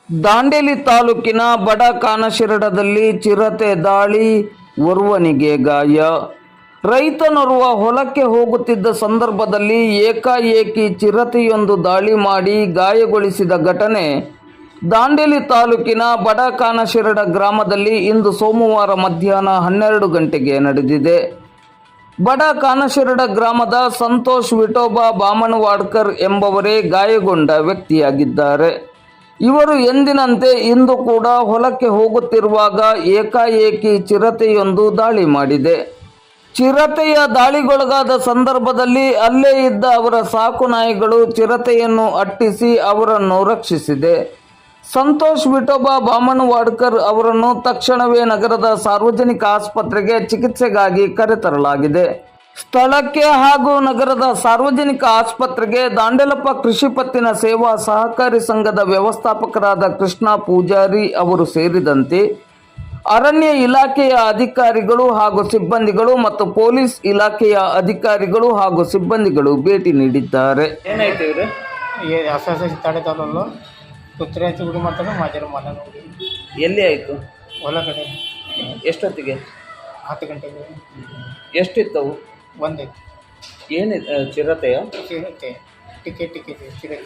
ದಾಂಡೇಲಿ ತಾಲೂಕಿನ ಬಡ ಕಾನಶಿರಡದಲ್ಲಿ ಚಿರತೆ ದಾಳಿ, ಓರ್ವನಿಗೆ ಗಾಯ. ರೈತನೋರ್ವ ಹೊಲಕ್ಕೆ ಹೋಗುತ್ತಿದ್ದ ಸಂದರ್ಭದಲ್ಲಿ ಏಕಾಏಕಿ ಚಿರತೆಯೊಂದು ದಾಳಿ ಮಾಡಿ ಗಾಯಗೊಳಿಸಿದ ಘಟನೆ ದಾಂಡೇಲಿ ತಾಲೂಕಿನ ಬಡ ಕಾನಶಿರಡ ಗ್ರಾಮದಲ್ಲಿ ಇಂದು ಸೋಮವಾರ ಮಧ್ಯಾಹ್ನ 12 ಗಂಟೆಗೆ ನಡೆದಿದೆ. ಬಡ ಕಾನಶಿರಡ ಗ್ರಾಮದ ಸಂತೋಷ್ ವಿಠೋಬಾ ಬಾಮಣವಾಡ್ಕರ್ ಎಂಬವರೇ ಗಾಯಗೊಂಡ ವ್ಯಕ್ತಿಯಾಗಿದ್ದಾರೆ. ಇವರು ಎಂದಿನಂತೆ ಇಂದು ಕೂಡ ಹೊಲಕ್ಕೆ ಹೋಗುತ್ತಿರುವಾಗ ಏಕಾಏಕಿ ಚಿರತೆಯೊಂದು ದಾಳಿ ಮಾಡಿದೆ. ಚಿರತೆಯ ದಾಳಿಗೊಳಗಾದ ಸಂದರ್ಭದಲ್ಲಿ ಅಲ್ಲೇ ಇದ್ದ ಅವರ ಸಾಕು ನಾಯಿಗಳು ಚಿರತೆಯನ್ನು ಅಟ್ಟಿಸಿ ಅವರನ್ನು ರಕ್ಷಿಸಿದೆ. ಸಂತೋಷ್ ವಿಠೋಬಾ ಬಾಮಣವಾಡ್ಕರ್ ಅವರನ್ನು ತಕ್ಷಣವೇ ನಗರದ ಸಾರ್ವಜನಿಕ ಆಸ್ಪತ್ರೆಗೆ ಚಿಕಿತ್ಸೆಗಾಗಿ ಕರೆತರಲಾಗಿದೆ. ಸ್ಥಳಕ್ಕೆ ಹಾಗೂ ನಗರದ ಸಾರ್ವಜನಿಕ ಆಸ್ಪತ್ರೆಗೆ ದಾಂಡೇಲಪ್ಪ ಕೃಷಿ ಪತ್ತಿನ ಸೇವಾ ಸಹಕಾರಿ ಸಂಘದ ವ್ಯವಸ್ಥಾಪಕರಾದ ಕೃಷ್ಣ ಪೂಜಾರಿ ಅವರು ಸೇರಿದಂತೆ ಅರಣ್ಯ ಇಲಾಖೆಯ ಅಧಿಕಾರಿಗಳು ಹಾಗೂ ಸಿಬ್ಬಂದಿಗಳು ಮತ್ತು ಪೊಲೀಸ್ ಇಲಾಖೆಯ ಅಧಿಕಾರಿಗಳು ಹಾಗೂ ಸಿಬ್ಬಂದಿಗಳು ಭೇಟಿ ನೀಡಿದ್ದಾರೆ. ಏನಾಯ್ತು ಇವರು ತಡೆದಲ್ಲ ಕುತ್ರೆ ಹಚ್ಚಿ ಹುಡುಗಿ ಮಾಡ್ತಾರೆ ಮಾಜರ ಮನೆ ನೋಡಿ ಎಲ್ಲಿ ಆಯಿತು? ಹೊಲ ಕಡೆ ಎಷ್ಟೊತ್ತಿಗೆ? 10 ಗಂಟೆಗೆ. ಎಷ್ಟಿತ್ತವು? ಒಂದೇ ಏನು ಚಿರತೆಯ? ಚಿರತೆ ಟಿಕೆಟ್ ಚಿರತೆ.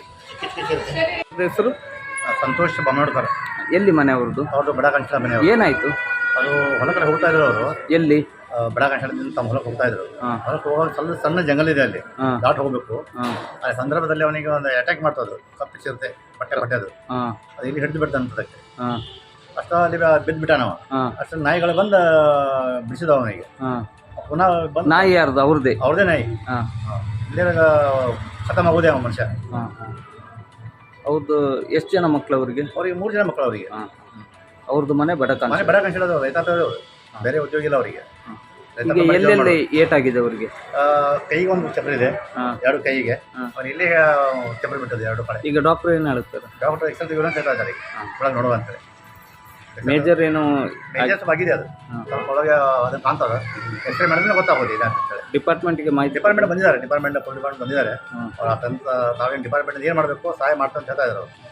ಹೆಸರು? ಸಂತೋಷ್ ಬಾಮಣವಾಡ್ಕರ್. ಎಲ್ಲಿ ಮನೆ ಅವ್ರದ್ದು? ಅವ್ರದ್ದು ಬಡ ಕಾಣಿಸ್ತಾ ಮನೆ. ಏನಾಯ್ತು? ಅದು ಹೊಲ ಕಡೆ ಹೋಗ್ತಾ ಇದ್ರು. ಅವರು ಎಲ್ಲಿ? ಬಡ ಕಾಣಿಸ್ತಾ ತಮ್ಮ ಹೊಲಕ್ಕೆ ಹೋಗ್ತಾ ಇದ್ರು. ಹೊಲಕ್ಕೆ ಹೋಗುವಾಗ ಸಣ್ಣ ಜಂಗಲ್ ಇದೆ, ಅಲ್ಲಿ ದಾಟ್ ಹೋಗ್ಬೇಕು. ಆ ಸಂದರ್ಭದಲ್ಲಿ ಅವನಿಗೆ ಒಂದು ಅಟ್ಯಾಕ್ ಮಾಡ್ತಾ ಇದ್ರು, ಕಪ್ಪು ಚಿರತೆ ಪಟ್ಟೆ ಅದು. ಅದು ಇಲ್ಲಿ ಹಿಡಿದು ಬಿಡ್ತಾನೆ ಅಂತದಕ್ಕೆ. ಅಷ್ಟ ಅಲ್ಲಿ ಬಿದ್ದುಬಿಟ್ಟ ನಾವು. ಅಷ್ಟು ನಾಯಿಗಳು ಬಂದು ಬಿಡಿಸಿದವ ಅವನಿಗೆ. ಪುನಃ ಬಂದು ನಾಯಿ ಯಾರ್ದು? ಅವ್ರದ್ದೇ? ಅವ್ರದೇ ನಾಯಿ. ಇಲ್ಲೇ ಖತಮ್ ಆಗೋದೇ ಅವ ಮನುಷ್ಯ. ಹೌದು. ಎಷ್ಟು ಜನ ಮಕ್ಕಳು ಅವ್ರಿಗೆ? 3 ಜನ ಮಕ್ಕಳು ಅವರಿಗೆ. ಅವ್ರದ್ದು ಮನೆ ಬಡ ಮನೆ ಬಡ ಕಾಣಿಸಿಡೋದು, ರೈತಾಪಿ. ಬೇರೆ ಉದ್ಯೋಗ ಇಲ್ಲ ಅವರಿಗೆ. ಎಲ್ಲೆಲ್ಲಿ ಏಟಾಗಿದೆ ಅವರಿಗೆ? ಕೈಗೆ ಒಂದು ಚಪ್ರ ಇದೆ, 2 ಕೈಗೆ. ಅವ್ರು ಇಲ್ಲಿ ಚಪ್ರ ಬಿಟ್ಟದ್ದು 2 ಕಡೆ. ಈಗ ಡಾಕ್ಟರ್ ಏನು ಹೇಳ್ತಾರೆ? ಡಾಕ್ಟರ್ ಎಕ್ಸಲ್ ತೆಗೆದು ಅಂತ ಹೇಳ್ತಾ ಇದ್ದಾರೆ. ಒಳಗೆ ನೋಡುವಂತಾರೆ. ಮೇಜರ್ ಏನು ಮೇಜರ್ಸ್ ಆಗಿದೆ, ಅದು ಸ್ವಲ್ಪ ಒಳಗೆ ಅದನ್ನು ಕಾಣ್ತದೆ. ಎಕ್ಸ್ರೇ ಮಾಡಿದ್ರೆ ಗೊತ್ತಾಗೋದು ಇದೆ ಅಂತ ಹೇಳಿ. ಡಿಪಾರ್ಟ್ಮೆಂಟ್ಗೆ ಮಾಹಿತಿ? ಡಿಪಾರ್ಟ್ಮೆಂಟ್ ಬಂದಿದ್ದಾರೆ, ಡಿಪಾರ್ಟ್ಮೆಂಟ್ ಬಂದಿದ್ದಾರೆ. ತಾವೇನು ಡಿಪಾರ್ಟ್ಮೆಂಟ್ ಏನು ಮಾಡಬೇಕು ಸಹಾಯ ಮಾಡ್ತಾ ಅಂತ ಹೇಳ್ತಾ ಇದ್ದಾರೆ.